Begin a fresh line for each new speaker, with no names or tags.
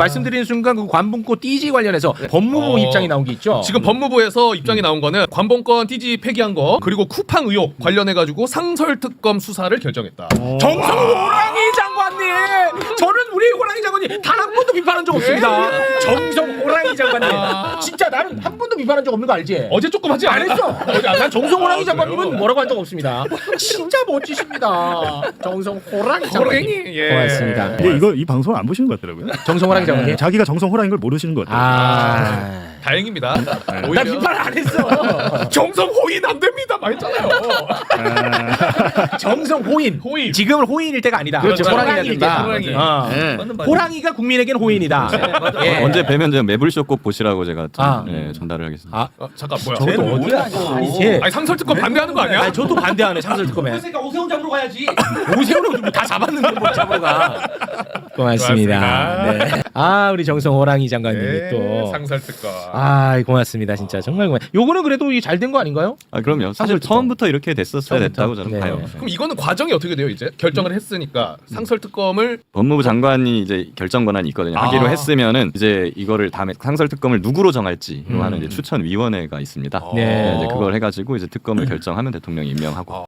말씀드리는 순간 그 관본권 띠지 관련해서 법무부 입장이 나온 게 있죠.
지금 법무부에서 입장이 나온 거는 관본권 띠지 폐기한 거 그리고 쿠팡 의혹 관련해 가지고 상설특검 수사를 결정했다.
정성 호랑이 장관님, 저는 우리 호랑이 장관님 단 한 번도 비판한 적 없습니다. 정성 호랑이 장관님, 진짜 나는 한 번도 비판한 적 없는 거 알지?
어제 조금 하지
안
않았어?
했어. 난 정성 호랑이 장관님은 뭐라고 한 적 없습니다. 진짜 멋지십니다. 정성 호랑이 장관님.
예.
고맙습니다.
근데 이거 이 방송 안 보시는 것 같더라고요.
정성 호랑이 장관님.
자기가 정성 호랑인 걸 모르시는 것 같아요.
다행입니다.
나
오히려
비판 안 했어.
정성 호인 안 됩니다. 말했잖아요.
정성 호인.
호인.
지금은 호인일 때가 아니다.
그렇죠.
호랑이일 때다.
호랑이.
어. 호랑이가 국민에겐 호인이다. 예.
언제 뵈면 제가 매불쇼 꼭 보시라고 제가
아.
전달을 하겠습니다.
아,
잠깐 뭐야?
저것도 어디야? 아니지.
아니 상설특검 반대하는 거 아니야?
아니, 저도 반대하네 상설특검에.
그러니까 오세훈 잡으러 가야지.
오세훈은 다 잡았는데 뭘 잡으러 가. 고맙습니다. 네. 아 우리 정성 호랑이 장관님이
네,
또.
상설특검.
아 고맙습니다 진짜 정말 고맙. 요거는 그래도 잘 된 거 아닌가요?
아 그럼요. 사실 처음부터 이렇게 됐었어야
처음부터.
됐다고 저는
네.
봐요.
그럼 이거는 과정이 어떻게 돼요? 이제 결정을 했으니까 상설특검을
법무부 장관이 이제 결정 권한이 있거든요. 하기로 했으면은 이제 이거를 다음에 상설특검을 누구로 정할지 하는 이제 추천위원회가 있습니다.
네.
이제 그걸 해가지고 이제 특검을 결정하면 대통령이 임명하고.